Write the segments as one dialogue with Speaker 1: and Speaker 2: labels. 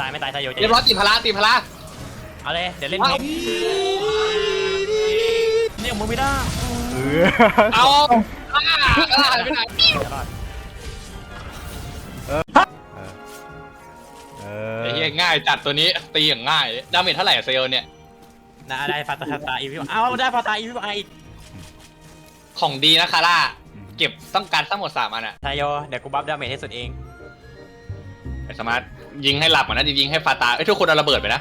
Speaker 1: ตายไม่ตายไซโยจะ
Speaker 2: เรียบร้อยตีพละตีพละ
Speaker 1: เอาเลยเดี๋ยวเล่นเพลงนี่ของมึงไม่ได้
Speaker 2: เอาหายไปไหน ไอ้เหี้ยง่ายจัดตัวนี้ตีอย่างง่ายดาเมจเท่าไหร่เซลเนี่ย
Speaker 1: นะได้ฟาตาอีวิวเอาได้ฟาตาอีวิวอีก
Speaker 2: ของดีนะคาร่าเก็บต้องการทั้งหมด3 อันอะ
Speaker 1: ไซโยเดี๋ยวกูบัฟดาเมจให้สุดเอง
Speaker 2: ไอ้สมาร์ทยิงให้หลับก่อนนะยิงให้ฟาตาทุกคนเอาระเบิดไปนะ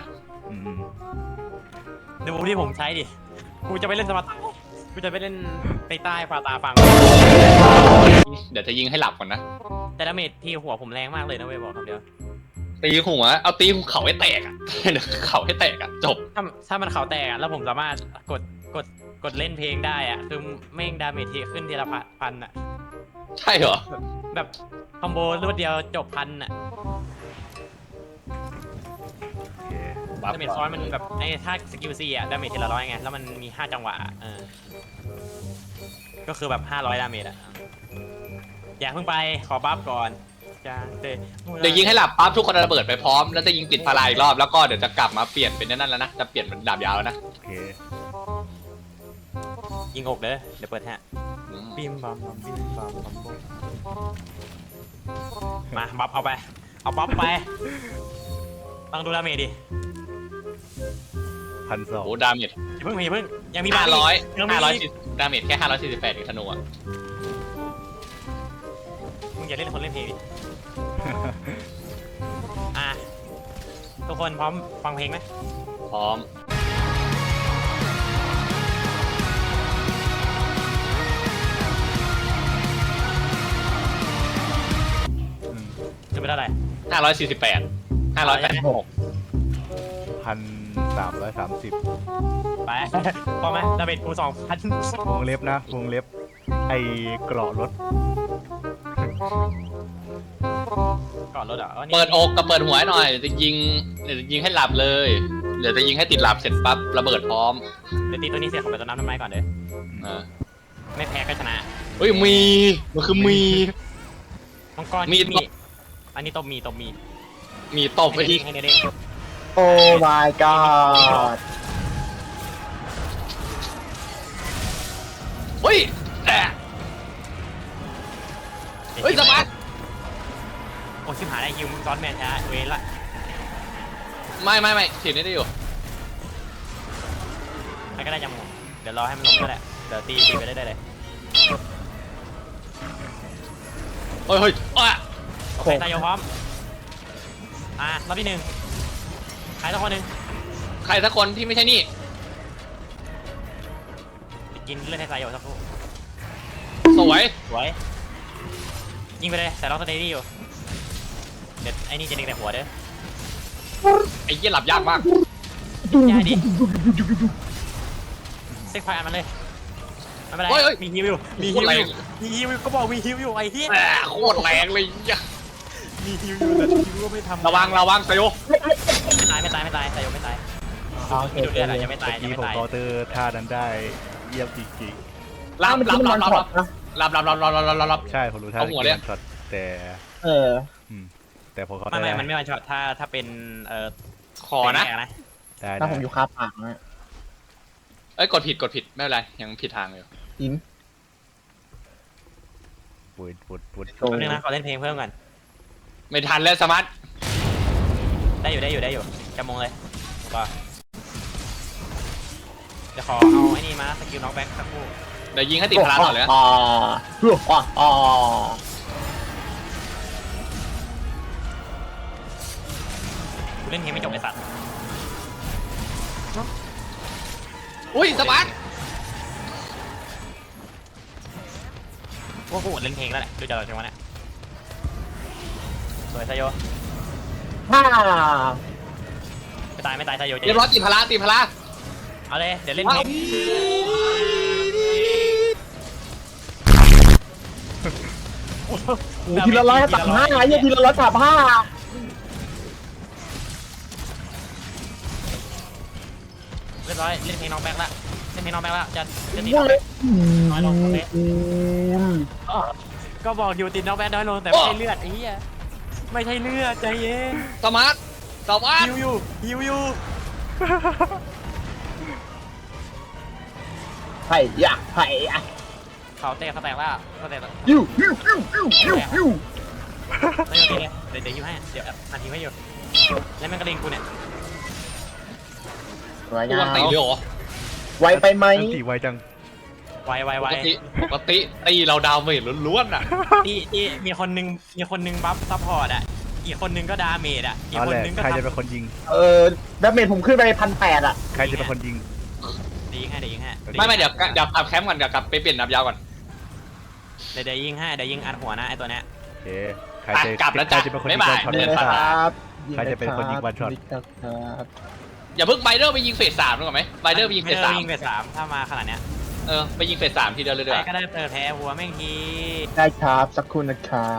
Speaker 1: ดูที่ผมใช้ดิกูจะไปเล่นสมาร์ทกูจะไปเล่นไปใต้ฟาตาฟัง
Speaker 2: เดี๋ยวจะยิงให้หลับก่อนนะ
Speaker 1: แต่ดาเมจที่หัวผมแรงมากเลยนะเว้ยบอกคำเดียว
Speaker 2: ตีหัวเอาตีหัวเข่าให้แตกอะเดี๋ยวเข่าให้แตกอะจบ
Speaker 1: ถ้ามันเขาแตกแล้วผมสามารถกดเล่นเพลงได้อะคือแม่งดาเมจที่ขึ้นทีละพันอะ
Speaker 2: ใช่เหรอ
Speaker 1: แบบคอมโบรวดเดียวจบพันอะดาเมจซ้อนมันแบบไอ้ถ้าสกิลซีอะดาเมจทีละ100ไงแล้วมันมี5 จังหวะก็คือแบบ500 ดาเมจอะอย่าเพิ่งไปขอบัฟก่อนจ้าเ
Speaker 2: ดี๋ยวยิงให้หลับปั๊บทุกคนเอาระเบิดไปพร้อมแล้วจะยิงปิดพลายอีกรอบแล้วก็เดี๋ยวจะกลับมาเปลี่ยนเป็นนั่นแล้วนะจะเปลี่ยนเป็นดาบยาวแล้วนะ
Speaker 1: ยิงอกเด้อเดี๋ยวเปิดฮะบิมบัมบัมบิมบัมบัมมาบัฟเอาไปเอาบัฟไปต้องดูดาเมจดิ
Speaker 2: โอ้ดาเมจ
Speaker 1: อย่าเพิ่งยังมี
Speaker 2: 500
Speaker 1: 500
Speaker 2: ดาเมจแค่548เองธนูอะ
Speaker 1: มึงอย่าเล่นคนเล่นเพลงดิ ทุกคนพร้อมฟังเพลงไหม
Speaker 2: พร้อม
Speaker 1: จะเป็นเท่าไหร่
Speaker 2: 548 586
Speaker 3: 1,330
Speaker 1: ไปพอไหมดาเมจกู2,000
Speaker 3: วงเล็บนะวงเล็บไอ้เกราะรถ
Speaker 1: ก่อนรถอ่ะ
Speaker 2: เปิดอกกับเปิดหัวหน่อยเดี๋ยวจะยิงให้หลับเลยเดี๋ยวจะยิงให้ติดหลับเสร็จปั๊บระเบิดพร้อม
Speaker 1: เดี๋ยวตีตัวนี้เสียของไปตัวน้ำไม้ก่อนเด้อไม่แพ้ก็ชนะ
Speaker 2: เฮ้ยมันคือมี
Speaker 1: มังกรมีอันนี้ตบมี
Speaker 2: ตบไปที่
Speaker 1: ให้เด็ก
Speaker 4: โอ้ my god
Speaker 2: เฮ้ยเฮ้ยสมาร์ท
Speaker 1: โอ้ชิบหายได้คิวมึงซ้อนแมนช้าเวรละ
Speaker 2: ไม่ถีบนี่ได้อยู่
Speaker 1: ใครก็ได้จำผมเดี๋ยวรอให้มันลงก็ได้เดี๋ยวตีไปได้เลย
Speaker 2: เฮ้ย
Speaker 1: ใครตายโยพร้อมรอบที่1ใครสักคนหนึ่ง
Speaker 2: ใครสักคนที่ไม่ใช่นี่
Speaker 1: กินเลือดให้ตายโยสักครู่
Speaker 2: สวย
Speaker 1: ยิงไปเลยแต่ล็อกสเตดี้อยู่เด็ดไอ้นี่จะดึงแต่หัวเด้อ
Speaker 2: ไอ้เหี้ยหลับยากมาก
Speaker 1: ยากดิเซ็กไฟอันมันเลยไม่เป็นไรมีฮิวอยู่ก็บอกมีฮิวอยู่ไอ้เหี้ย
Speaker 2: โคตรแรงเลย
Speaker 1: มีฮิวอยู่แต่ฮิวก็ไม่ทำ
Speaker 2: ระวังสยบ
Speaker 1: ไม่ตายไซโยไม่ตาย
Speaker 4: โอเค
Speaker 1: ดูเลือดอะยังไม่ตาย
Speaker 3: ที่ผมเคาน์เตอร์ท่านั้นได้เยี่ยมจริง
Speaker 2: รับ
Speaker 4: มันช็อตนะ
Speaker 3: ๆใช่ผมรู้ท่า
Speaker 2: เอาหัวเลย
Speaker 3: ช็อตแต่ แต่ผมเคาน์เตอร์
Speaker 1: มันไม่วันช็อตถ้าเป็น
Speaker 2: ขอนะ
Speaker 3: ได้
Speaker 4: ถ้าผมอยู่คาปากนะ
Speaker 2: เอ้ยกดผิดไม่เป็นไรยังผิดทางอยู่
Speaker 4: อิน
Speaker 3: ปุด
Speaker 1: แป๊บนึงนะขอเล่นเพลงเพิ่มก่อน
Speaker 2: ไม่ทันแล้วสมาร์ท
Speaker 1: ได้อยู่จะมงเลยก็จะขอเอาไอ้นี่มาสกิลน็อกแบ็กสักครู่
Speaker 2: เดี๋ยวยิงให้ติดพลาต่อเลยนะ
Speaker 1: กูเล่นเพลงไม่จบไอ้สัตว์
Speaker 2: อุ้ยสมาร์ท
Speaker 1: ว่ากูอดเล่นเพลงแล้วแหละดูจากเราจังหวะเนี่ยสวยไซโย
Speaker 4: ฮ่า
Speaker 1: ไม่ตายไซโย
Speaker 2: เรียบร้อยตีพละ
Speaker 1: เอาเลยเดี๋ยวเล่นเพลง
Speaker 4: ทีละ135เนี่ยทีละ135
Speaker 1: เรียบร้อยเล่นเพลงน็อกแบ็กละจะตีน้อยลงเลยก็บอกอยู่ติดน็อกแบ็กน้อยลงแต่ไม่ใช่เลือดไอ้เหี้ยไม่ใช่เลือดใจเย็น
Speaker 2: สมาร์ทสวัส
Speaker 1: ฮิ
Speaker 2: ดี
Speaker 1: วอยู่ฮิวอยู่
Speaker 4: ไผ่ยะไผ่ยะ
Speaker 1: เขาเตะเขาแตกแล้วเขาแตกแล้ว
Speaker 4: ยูยูยู
Speaker 1: ไม่โอเคเดี๋ยวฮิวให้เดี๋ยวนาทีไม่อยู่แล้วมันกระเด็นกูเนี่ย
Speaker 4: สวย
Speaker 2: กู
Speaker 4: งา
Speaker 2: วัน
Speaker 4: ม
Speaker 2: ตีเลยเหรอ
Speaker 4: ไวไปไหม
Speaker 3: อันตีไวจัง
Speaker 1: ไว
Speaker 2: ปกติตีเราดาวเมจล้วนๆอ่ะ
Speaker 1: ที่มีคนนึงบัฟซัพพอร์ตอ่ะอีกคนนึงก็ดาเมจอ่ะอีก
Speaker 3: เอา
Speaker 1: คน
Speaker 3: แหละ
Speaker 1: นึงก็
Speaker 3: ใครจะ
Speaker 1: ทำ
Speaker 3: เป็นคนยิง
Speaker 4: ดาเมจผมขึ้นไป1,800อ่ะ
Speaker 3: ใครจะเป็นคนยิง
Speaker 1: เดี๋ยวยิงให้เดี๋ยวยิงให้
Speaker 2: ไม่เดี๋ยวกลับแคมป์ก่อนเดี๋ยวกลับไปเปลี่ยนนับยาวก่อน
Speaker 1: เดี๋ยวยิงให้เดี๋ยวยิงอัดหัวนะไอตัวเนี้ย
Speaker 3: โอเคใคร
Speaker 2: อ่ะ
Speaker 3: จะ
Speaker 2: กลับแล้วจ้ะ
Speaker 3: ใครจะเป็นคนยิง
Speaker 2: บ๊ายบาย
Speaker 3: วันช็อต
Speaker 4: ยิง
Speaker 3: เล่น
Speaker 4: เลย
Speaker 3: ตา
Speaker 4: ครับ
Speaker 3: ใครจะเป็นคนยิงวันช็อต
Speaker 4: ครับ
Speaker 2: อย่าเพิ่งไบเดอร์ไปยิงเฟส3ด้วยก่อนไหมไบเดอร์ไปยิงเฟส
Speaker 1: ยิงเฟสสามถ้ามาขนาดเนี้ย
Speaker 2: 3ไปยิงเฟส3ทีเดียวเลย
Speaker 1: ใค
Speaker 2: ด้
Speaker 1: ร
Speaker 2: วย
Speaker 1: ก็ได้เปิดแพ้หัวแม่งที
Speaker 4: ได้ครับสักครู่นะครับ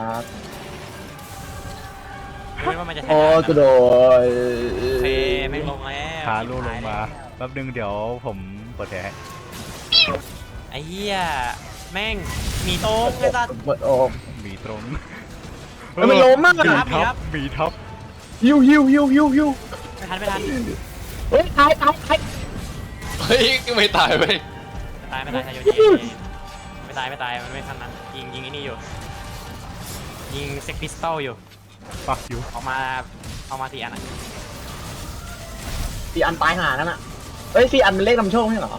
Speaker 1: ไม่ว่ามันจะชนะ
Speaker 4: โอ้กระโดด
Speaker 1: เพแม่งลงแล้ว
Speaker 3: ขาลูลงมาแป๊บนึงเดี๋ยวผมเปิดแผลให้
Speaker 1: ไอ้เหี้ยแม่งมีโต๊ะไอ้สัตว์
Speaker 4: เปิดโอม
Speaker 3: หมีตรง
Speaker 4: มันล้มมาก
Speaker 3: หมี
Speaker 1: ครับ
Speaker 3: ท็อปหมีท็อป
Speaker 4: ฮิวฮิวฮิวฮิวฮิว
Speaker 1: ไม่ทัน
Speaker 4: เฮ้ยตาย
Speaker 2: เฮ้ยไม่ตายไป
Speaker 1: ไม่ตายทายโยไม่ตายมันไม่ทันนั้นยิงไอ้นี่อยู่ยิงเซ็กพิสตอลอยู่
Speaker 3: ปักอยู่
Speaker 1: เอามา4 อันอ่ะ
Speaker 4: 4 อันตายหานั่นอ่ะเฮ้ย4 อันเป็นเลขนำโชคไม่เหรอ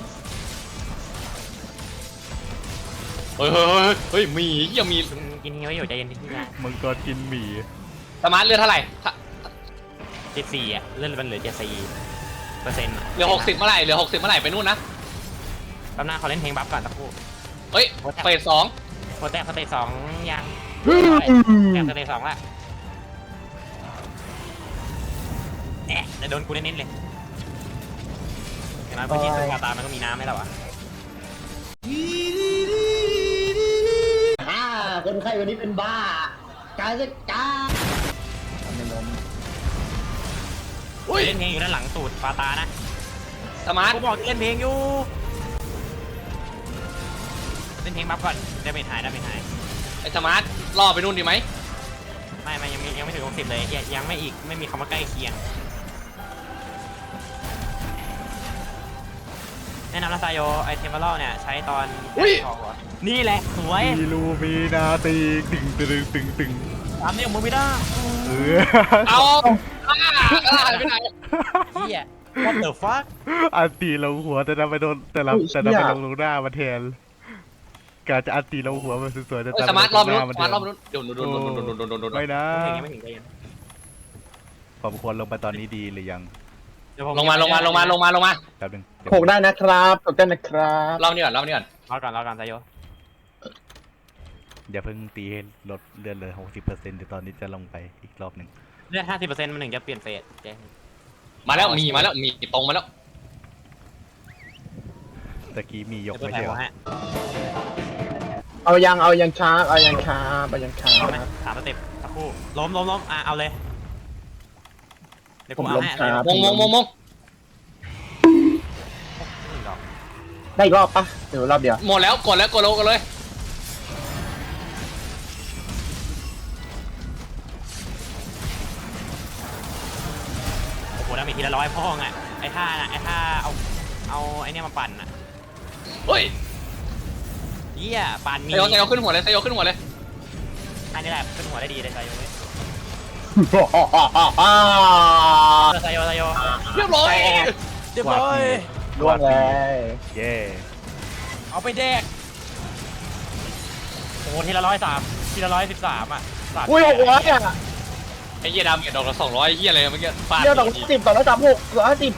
Speaker 2: เฮ้ยมียังมี
Speaker 1: กินนี้ไว้อยู่ใจเย็นที่งาน
Speaker 3: มึงตัวกินหมี
Speaker 2: สมาร์ทเลือดเท่าไหร่
Speaker 1: 74อ่ะเลื่อนมันเหลือ74%
Speaker 2: เหลือ60เมื่อไหร่เหลือ60เมื่อไหร่ไปนู่นนะ
Speaker 1: แป๊บหน้าเขาเล่นเพลงบัฟก่อนสักครู่
Speaker 2: เฮ้ยเฟส2
Speaker 1: โคแตกสเตจ2ยังแตกสเตจ2ละเดี๋ยวโดนกูเน้นๆเลยอย่างนั้นพื้นที่สุขตามันก็มีน้ำให้เราอ่ะ
Speaker 4: คนไข้วันนี้เป็นบ้าการจัดการไม่ล้ม
Speaker 2: อุ้ย
Speaker 1: เล่นเพลงอยู่ด้านหลังตูดฟาตานะ
Speaker 2: สมาร์ท
Speaker 1: กูบอกเล่นเพลงอยู่เล่นเพลงบัฟก่อนได้ไม่หาย
Speaker 2: ไอ้สมาร์ทล่อไปนู่นดีไหม
Speaker 1: ไม่ยังไม่ถึง60เลยยังไม่มีคำว่าใกล้เคียงแนะนำนะซายโยไอเทมเบอร์เนี่ยใช้ตอนนี่แหละสวย
Speaker 3: มีลูมีนาตีตึงตึงตึงตึง
Speaker 1: ตามนี่ของมึงไม่ได้
Speaker 3: เออ
Speaker 2: เอาหายไปไหน
Speaker 1: เฮีย what the fuck
Speaker 3: อันตีลงหัวแต่เราไปโดนแต่เราไปลงหน้ามันแทนการจะอันตีลงหัวมันสวยๆแต่
Speaker 2: สมาร์ทรอบ
Speaker 3: ห
Speaker 2: นู้น
Speaker 3: น้า
Speaker 2: ส
Speaker 3: มัน
Speaker 2: มาร์ทรอบ
Speaker 3: แทน
Speaker 2: นู้นเดี๋ยวโดน
Speaker 3: ไม่นะ
Speaker 1: ไม่ถึงใจเย็น
Speaker 3: ผมควรลงไปตอนนี้ดีหรือยัง
Speaker 2: ลงมา
Speaker 3: แป๊บนึง
Speaker 4: โขกได้นะครับโขกได้นะครับ
Speaker 2: รอบนี้ก่อน
Speaker 1: รอก่อนซายโย
Speaker 3: อย่าเพิ่งตีให้ลดเลือดเลย60%เดี๋ยวตอนนี้จะลงไปอีกรอบหนึ่ง
Speaker 1: เลือด 50%มันถึงจะเปลี่ยนเฟสเจ๊
Speaker 2: มาแล้วมีตรงมาแล้ว
Speaker 3: ตะกี้มียก
Speaker 1: เดี๋ยว
Speaker 3: ไม่
Speaker 1: เปิด
Speaker 3: ใช่
Speaker 1: แผล
Speaker 3: เหรอ
Speaker 1: ฮะ
Speaker 4: เอายังครับเอายังครับ
Speaker 1: เอาไหม3 สเต็ปสักครู่ล้มเอาเลยเดี๋ยว
Speaker 4: ผ
Speaker 1: กู
Speaker 4: ม
Speaker 1: เอา
Speaker 4: ล้ม
Speaker 1: ให้
Speaker 4: ครับ
Speaker 2: มง
Speaker 4: ได้อีกรอบปะเดี๋ยวรอบเดียว
Speaker 2: หมดแล้วกดเลย
Speaker 1: โอ้โหดาเมจทีละ100พ่องอ่ะไอ้ท่าเอาไอ้เนี่ยมาปั่นอ่ะ
Speaker 2: เฮ้ย
Speaker 1: เหี้ยปั่นมี
Speaker 2: เซโยขึ้นหัวเลย
Speaker 1: อันนี้แหละขึ้นหัวได้ดีเลยซายโยเว้ย ซายโย
Speaker 2: เรียบร้อย
Speaker 1: เรียบร้อย
Speaker 4: ล่วงเลย
Speaker 3: เย่
Speaker 1: เอาไปแดกโอ้โหทีละ103ทีละ113อ่ะสัตว์
Speaker 4: อุ้ย600อ่ะ
Speaker 2: ไอ้เหี้ยดำดอกละ200ไอ้เหี้ยอะไรเมื่อกี้ฟาด
Speaker 4: เดี๋ยว210 236 250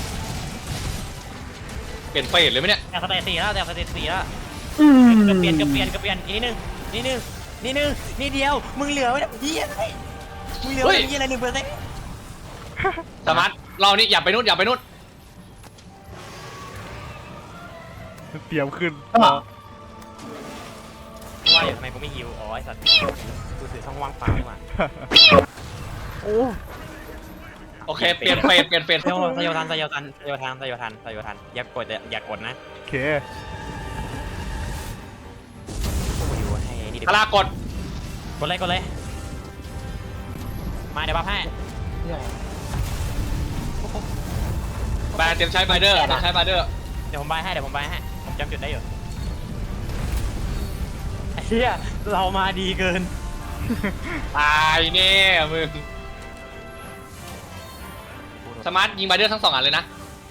Speaker 2: เปลี่ยนเฟสเลยไหมเนี่ย
Speaker 1: แต่สเตจ4แล้วเปลี่ยนอีกนิดนึงนิดเดียวมึงเหลือไว้เหี้ยอะไรมึงเหลือไว้เหี้ยอะไร1%
Speaker 2: สมาร์ทเรานี่อย่าไปนู่น
Speaker 3: เตรียมขึ้น
Speaker 1: ว่าทำไมกูไม่ฮิวอ๋อไอ้สัตว์กูถือช่องว่างเปล่ามา
Speaker 2: โอเคเปลี่ยนเฟส
Speaker 1: ซายโยทันอย่ากดนะ
Speaker 3: โอเค
Speaker 1: กูอยู่ให้นี่ดิ
Speaker 2: พลากด
Speaker 1: กดเลยมาเดี๋ยวบัฟให้
Speaker 2: แบนเตรียมใช้ไบเดอร์เตรียมใช้ไบเดอร์
Speaker 1: เดี๋ยวผมบายให้ผมจำจุดได้อยู่ไอ้เหี้ยเรามาดีเกิน
Speaker 2: ตายแน่มึงสมาร์ทยิงไบเดอร์ทั้ง2อันเลยนะ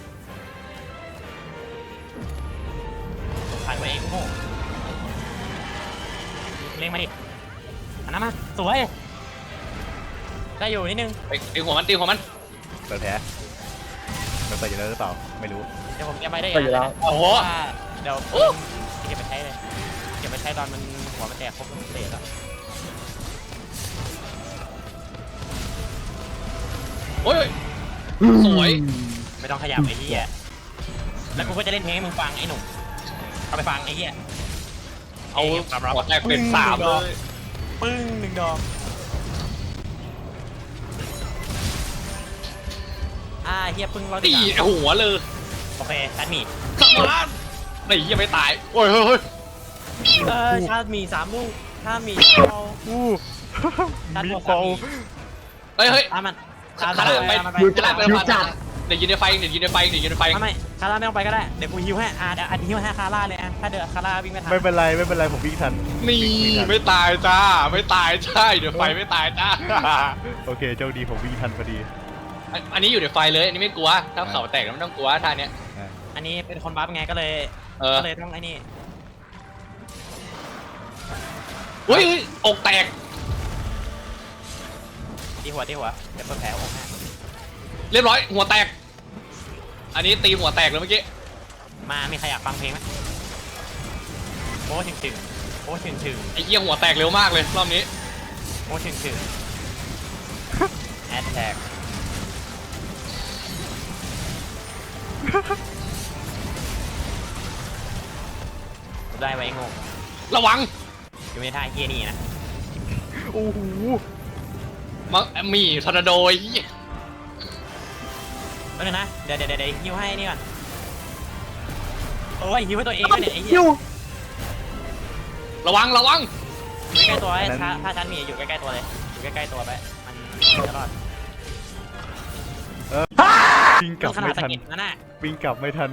Speaker 1: ผ่านไปเองโง่เล่งมาดิอันนั้นมาสวยได้อยู่นิดนึง
Speaker 2: ไปตีหัวมันตีหัวมัน
Speaker 3: เปิดแผลมันเปิดอยู่แล้วหรือเปล่าไม่รู้
Speaker 1: เดี๋ยวผมเก็บไปได้
Speaker 4: ก็อยู่แล้ว
Speaker 2: โอ้โห
Speaker 1: เดี๋ยวเก็บไปใช้เลยเก็บไปใช้ตอนมันหัวมันแตกครบเศษแล้ว
Speaker 2: โอ้ยสวย
Speaker 1: ไม่ต้องขยับไอ้เหี้ยแล้วกูก็จะเล่นเพลงให้มึงฟังไอ้หนุ่มเอาไปฟังไอ้เหี้ย
Speaker 2: เอา
Speaker 1: ความรับ
Speaker 2: หัวแตกเป็น3เลย
Speaker 1: ปึ้ง1 ดอกเฮียปึ้งเรา
Speaker 2: ตีหัวเลย
Speaker 1: โอเคชาร์จหมี
Speaker 2: สมาร์ทไม่ยังไม่ตายโอ้ยเฮ้ย
Speaker 1: ชาร์จหมี3 ลูกชาร์จหมีเอา
Speaker 3: อู้
Speaker 1: ชาร์จ
Speaker 3: มี
Speaker 1: หัว
Speaker 3: เปา
Speaker 2: เฮ้ยเฮ้ย
Speaker 1: ตามมัน
Speaker 2: ขนาดไป
Speaker 1: มันไป
Speaker 2: ขนาดไปเดี๋ยวยืนในไฟเดี๋ยวยืนในไฟเดี๋ยวยืนในไฟ
Speaker 1: ไม่คาร่าไม่ต้องไปก็ได้เดี๋ยวกูฮิวให้เดี๋ยวฮิวให้คาร่าเลยถ้าเดือดคาร่าวิ่งไม่ทัน
Speaker 3: ไม่เป็นไรผมวิ่งทัน
Speaker 2: นี่ไม่ตายจ้าไม่ตายใช่เดี๋ยวไฟไม่ตายจ้า
Speaker 3: โอเคโชคดีผมวิ่งทันพอดี
Speaker 2: อันนี้อยู่ในไฟเลยอันนี้ไม่กลัวถ้าเขาแตกไม่ต้องกลัวท่าเนี้ย
Speaker 1: อันนี้เป็นคนบัฟไงก็เลย ก็เลยต้องไอ้นี่
Speaker 2: อุ้ยอกแตก
Speaker 1: ตีหัวเดี๋ยวเปิดแผลอกให้
Speaker 2: เรียบร้อยหัวแตก อันนี้ตีหัวแตกเลยเมื่อกี้
Speaker 1: มามีใครอยากฟังเพลงไหมโอ้ถึงโอ้ถึง
Speaker 2: ไอ้เหี้ยหัวแตกเร็วมากเลยรอบนี้
Speaker 1: โอ้ถึงแอดแท็กได้ไว้งง
Speaker 2: ระวัง
Speaker 1: อยู่ในท่าเฮียนี่นะ
Speaker 3: โอ้โห
Speaker 2: มังมีทอร์นาโดไอ้เหี้ย
Speaker 1: แป๊บนึงนะเดี๋ยวฮิวให้นี่ก่อนโอ้ยฮิวให้ตัวเองด้วยเนี่ยไอ้เหี้ย
Speaker 2: ระวัง
Speaker 1: อยู่ใกล้ๆตัวไอ้ถ้าฉันมีอยู่ใกล้ๆตัวเลยอยู่ใกล้ๆตัวไปมันจะรอด
Speaker 3: วิ่งกลับ
Speaker 1: ขนา
Speaker 3: ไม่
Speaker 1: ดสะ
Speaker 3: ทัน
Speaker 1: กิดนั่นน่ะ
Speaker 3: วิ่งกลับไม่ทัน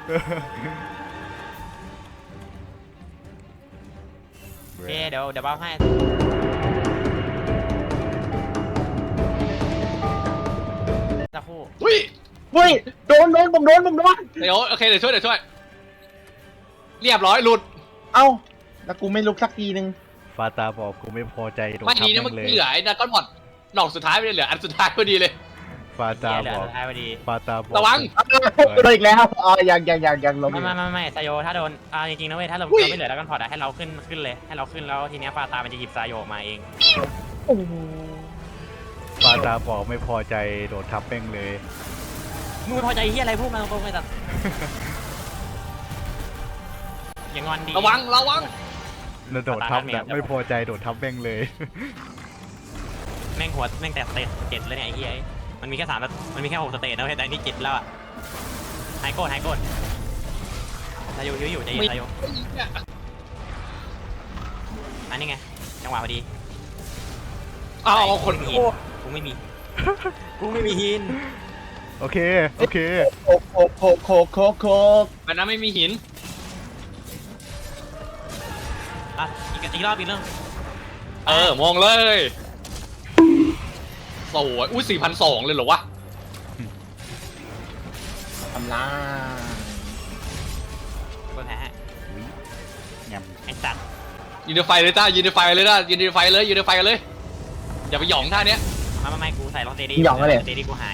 Speaker 1: โอเคเดี๋ยวเบ้าให้สักครู่
Speaker 2: อุ้ย
Speaker 4: เฮ้ยโดนผมโดน
Speaker 2: เดี๋ยวโอเคเดี๋ยวช่วยเรียบร้อยหลุด
Speaker 4: เอ้าแล้วกูไม่ลุกสักทีนึง
Speaker 3: ฟาตาบอกกูไม่พอใจโดน
Speaker 2: ไม่
Speaker 3: ทับ
Speaker 2: ดีนะ
Speaker 3: แม่
Speaker 2: เมื่อง
Speaker 3: เลย
Speaker 2: กี้เหลือไอ้ดราก้อนบอดดอกสุดท้ายไม่ได้เหลืออันสุดท้ายพอดีเลย
Speaker 3: ฟาตา
Speaker 1: เหลื
Speaker 3: บ
Speaker 1: อ
Speaker 3: อก
Speaker 1: สุดท้ายพอดี
Speaker 3: ฟาตาบอก
Speaker 2: ระวัง
Speaker 4: โดนอีกแล้วอ๋อยังลง
Speaker 1: ไม่ไซโยถ้าโดนจริงๆนะเว้ยถ้าเรา
Speaker 2: อุ้ย
Speaker 1: ไม่เหลือแล้วกันพอร์ตให้เราขึ้นเลยให้เราขึ้นแล้วทีเนี้ยฟาตามันจะหยิบไซโยออกมาเอง
Speaker 3: ฟาตาบอกไม่พอใจโดนทับแม่งเลย
Speaker 1: มึงไม่พอใจเฮียอะไรพูดมาตรงๆเลยสัตว์อย่างอนดี
Speaker 2: ระวัง
Speaker 3: แล้วโดดทับแบบไม่พอใจโดดทับแม่งเลย
Speaker 1: แม่งหัวแม่งแต่สเตจ7เลยเนี่ยไอ้เหี้ยมันมีแค่3แล้วมันมีแค่6สเตจนะเว้ยแต่อันนี้7แล้วอะไฮโกดไซโยหิวอยู่ใจเย็นไซโยอันนี้ไงจังหวะพอดี
Speaker 2: เอาคน
Speaker 1: กูไม่มีกูไม่มีหิน
Speaker 3: โอเค
Speaker 4: โคก
Speaker 2: มันนั้นไม่มีหิน
Speaker 1: อ่ะอีกรอบอีกเรื่อง
Speaker 2: มองเลยสวยอุ้ย4,200เลยเหรอวะ
Speaker 4: ทำลาย
Speaker 1: เปิดแผลให้
Speaker 3: ย
Speaker 1: ไอ้สัตว์
Speaker 2: ยืนในไฟเลยจ้ายืนในไฟเลย อย่าไปหยองท่าเนี้ย
Speaker 1: ไม่กูใส่รองเตดี้เตดี้กูหาย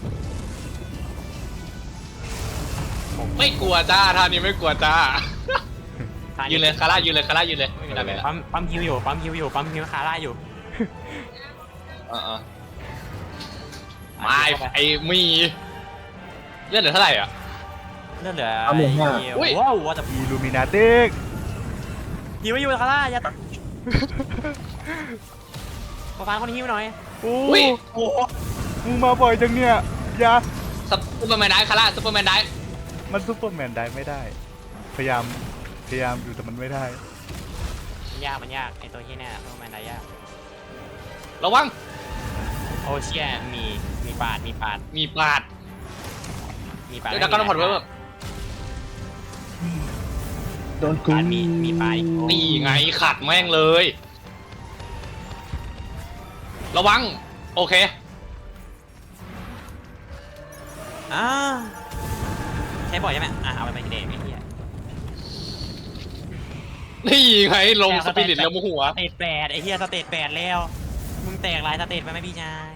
Speaker 2: ไม่กลัวจ้าท่านี้ไม่กลัวจ้ายืนเลยคาร่ายืนเลยไม่ได้
Speaker 1: ปั๊มฮิวอยู่ปั๊มฮิวคาร่าอยู่
Speaker 2: ไม่ไอ้มีเลือดเหลือเท่าไหร่อ่ะ
Speaker 1: เลือดเหลือ
Speaker 2: อุ้ย
Speaker 1: ว้าวแต่
Speaker 3: ำอีลูมินาติก
Speaker 1: ฮิวอยู่คาร่าอย่าขอฟังคนฮิวหน่อย
Speaker 3: โอ้
Speaker 2: อุ้ย
Speaker 1: โอ้โห
Speaker 3: มึงมาบ่อยจังเนี่ยอย่า
Speaker 2: ซุปเปอร์แมนได้คาร่าซุปเปอร์แมนได้
Speaker 3: มันซุปเปอร์แมนได้ไม่ได้ พยายามอยู่แต่มันไม่ได้
Speaker 1: มันยากไอตัวที่เนี่ยพวกมันได้ยาก
Speaker 2: ระวัง
Speaker 1: โอเชียมีปาด
Speaker 2: มีปาด
Speaker 1: มีปลา
Speaker 2: เดี๋ยวดักกันผ่อนเพิ่ม
Speaker 4: โดนกู
Speaker 1: ปลามีปลาอีก
Speaker 2: นี่ไงขัดแม่งเลย ระวัง โอเค
Speaker 1: ใช้บ่อยใช่ไหมเอาไปเดทไอ้เหี้ย
Speaker 2: นี่ไงลงสปิริตแล้วโมหัว
Speaker 1: สเตจ8ไอ้เหี้ยสเตจ8แล้วมึงแตกหลายสเตจไปไหมพี่ชาย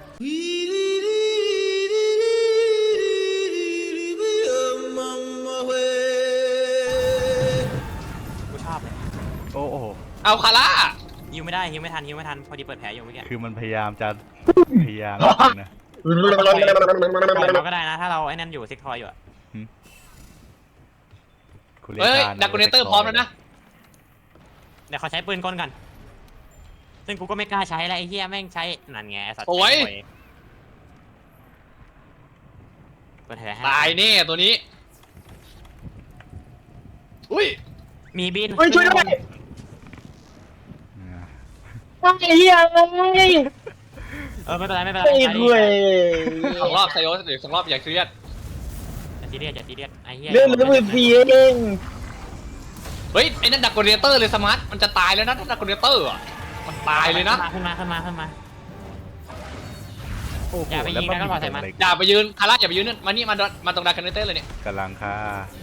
Speaker 1: กูชอบเลย
Speaker 3: โอ้โห
Speaker 2: เอาคาร่า
Speaker 1: ฮิวไม่ได้ฮิวไม่ทันพอดีเปิดแผลอยู่เมื่อกี้
Speaker 3: คือมันพยายามจะพยายามนะ
Speaker 1: ปล่อยเราก็ได้นะถ้าเราไอ้นั่นอยู่ซิกทอยอยู่อะ
Speaker 3: คุณ
Speaker 2: เฮ้ย
Speaker 3: ทาน
Speaker 2: ดักกูเนเตอร์พร้อมแล้วนะ
Speaker 1: เดี๋ยวเขาใช้ปืนกลกันซึ่งกูก็ไม่กล้าใช้แล้วไอ้เหี้ยแม่งใช้นั่นไงไอ้สัตว์
Speaker 2: โอ้ย
Speaker 1: เปิดแผลให้
Speaker 2: ตายแน่ตัวนี้ อุ้ย
Speaker 1: มีบิน
Speaker 4: เฮ้ยช่วยด้วยไอ้เหี้ยไ
Speaker 1: ไม่เป็นไร
Speaker 4: อ้
Speaker 1: ใช้
Speaker 4: คุย
Speaker 2: สองรอบไซโอสเดี๋ยวสองรอบอย่าเครียด
Speaker 1: อย่าซีเรียสไอ้เหี้ย
Speaker 4: เรื่องมันมือพีเอง
Speaker 2: เฮ้ยไอ้นั่นดักกูเนเตอร์เลยสมาร์ทมันจะตายแล้วนะดักกูเนเตอร์อ่ะมันตายเลยนะ
Speaker 1: ขึ้นมา
Speaker 3: โอ้โห
Speaker 1: อย่าไปยิงนะก็พอใส่มัน
Speaker 2: อย่าไปยืนคาร่าอย่าไปยืนนั่นมานี่มาตรงดักกูเนเตอร์เลยเนี่ย
Speaker 3: กำลังค่ะ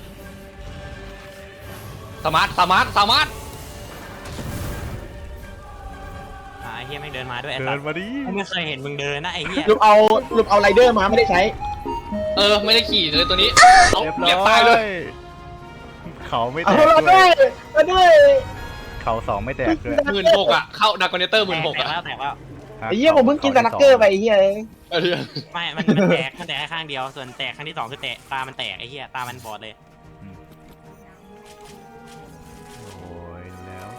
Speaker 2: สมาร์ท
Speaker 1: ไอ้เหี้ยแม่งเดินมาด้วยไอ้
Speaker 3: เดิ
Speaker 1: สั
Speaker 3: น
Speaker 1: ตว์
Speaker 3: มาดิ
Speaker 1: กูไม่เคยเห็นมึงเดินนะไอ้เหี้ย
Speaker 4: ลุมเอาไรเดอร์มาไม่ได้ใช้
Speaker 2: ไม่ได้ขี่เลยตัวนี้เอา
Speaker 3: เรียบร้
Speaker 2: เรียบตายเลย
Speaker 3: เขาไม่แต
Speaker 4: เอา
Speaker 3: ก
Speaker 4: เรา
Speaker 3: ด้
Speaker 4: ด้
Speaker 3: ว
Speaker 4: วย ยมาด้วย
Speaker 3: เขาสองไม่แตกด้วย
Speaker 2: 16,000อ่ะเข้าดักกูเนเตอร์16,000
Speaker 1: แตก
Speaker 2: อ่ะ
Speaker 1: แล้ว
Speaker 3: ฮะ
Speaker 4: ไอ้เหี้ยผมเพิ่งกินสลักเกอร์ไปไอ้เหี้ย
Speaker 1: ไม่มันแตกแค่ข้างเดียวส่วนแตกครั้งที่2คือแตกตามันแตกไอ้เหี้ยตามันบอดเลย
Speaker 3: โอ้ยแล้ว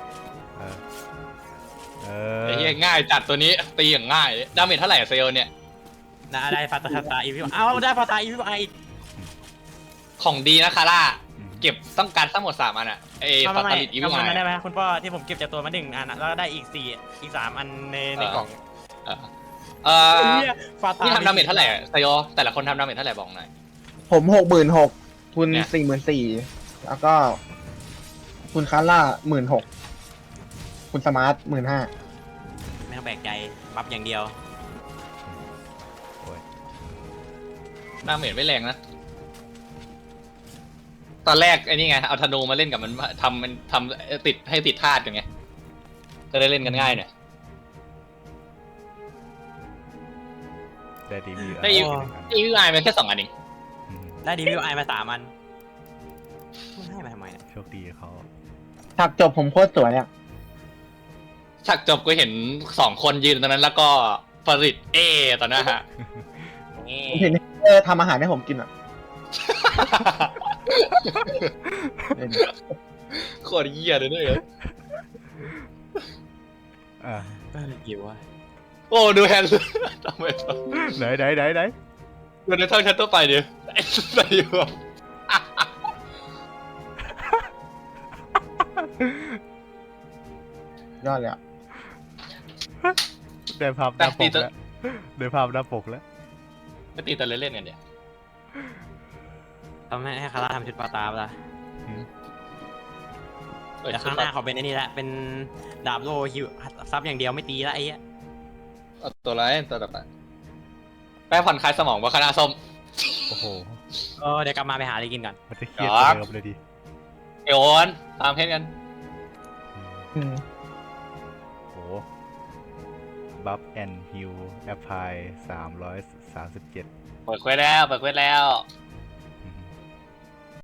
Speaker 2: ไอ้เหี้ยง่ายจัดตัวนี้ตีอย่างง่ายดาเมจเท่าไหร่เซลเนี่ย
Speaker 1: ได้ฟาตาอีวิวเอาได้ฟาตาอีวิวอีก
Speaker 2: ของดีนะคาร่าเก็บต้องการทั้งหมด3อันอ่ะไอ้ฟาตาลิตอีวิ
Speaker 1: กำ
Speaker 2: ไ
Speaker 1: มันได้ไหมคุณพ่อที่ผมเก็บจากตัวมา1อันแล้วได้อีก3อันในกล่อง ฟาตา
Speaker 2: นี่ทำดาเมจเท่าไหร่ไซโอแต่ละคนทำดาเมจเท่าไหร่บอกหน่อย
Speaker 4: ผม66,000คุณ
Speaker 2: เนี่ย
Speaker 4: 44,000แล้วก็คุณคาร่า16,000คุณสมาร์ท15,000
Speaker 1: ไม่ต้องแปลกใจบัฟอย่างเดียว
Speaker 2: ดาเมจไม่แรงนะตอนแรกไอ้นี่ไงเอาธนูมาเล่นกับมันทำติดให้ติดธาตุกันไงจะได้เล่นกันง่ายหน่อย
Speaker 3: ได้ดีวี
Speaker 2: ได้อีวิวไอมันแค่2อันเอง
Speaker 1: ได้ดีวิวไอมา3อันให้มาทำไมเนี่ย
Speaker 3: โชคดีเขา
Speaker 4: ฉากจบผมโคตรสวยอ่ะ
Speaker 2: ฉากจบก็เห็น2คนยืนตรงนั้นแล้วก็ผลิตตอนนั้นฮะ
Speaker 4: ผมเห็นทำอาหารให้ผมกินอ่ะ
Speaker 2: โคตรเหี้ยเลยเนี่ย
Speaker 3: อ่ะ
Speaker 1: หิวอ่ะ
Speaker 2: โอ้ดูแฮนด์ทำไม
Speaker 3: ไหน
Speaker 2: ดูในเท่าชั้นตัวไปดิไอ้ใส่อยู่
Speaker 4: ยอดเลยอ่ะ
Speaker 3: ได้ภาพหน้าปกแล้วได้ภาพหน้าปกแล้ว
Speaker 2: ก็ตีแต่เล่นๆกันเนี่ย
Speaker 1: ต้องให้คาร่าทำชุดปาตาปะล่ะเดี๋ยวข้างหน้าเขาเป็นไอ้นี่ละเป็นดาบโลฮิวซับอย่างเดียวไม่ตีละไอ้เหี้ย
Speaker 2: เอาตัวไรตัวต่อไปแป้งผ่อนคลายสมองว่าคณะส้ม
Speaker 3: โอ้โห
Speaker 1: เดี๋ยวกลับมาไปหาอะไรกินก่อน
Speaker 3: มันจะเครียดกว่าเดิมเลยดิ
Speaker 2: เอวอนตามเพชรกัน
Speaker 3: โอ้บัฟแอนฮิลแอปพลาย337
Speaker 2: เปิดเควสแล้ว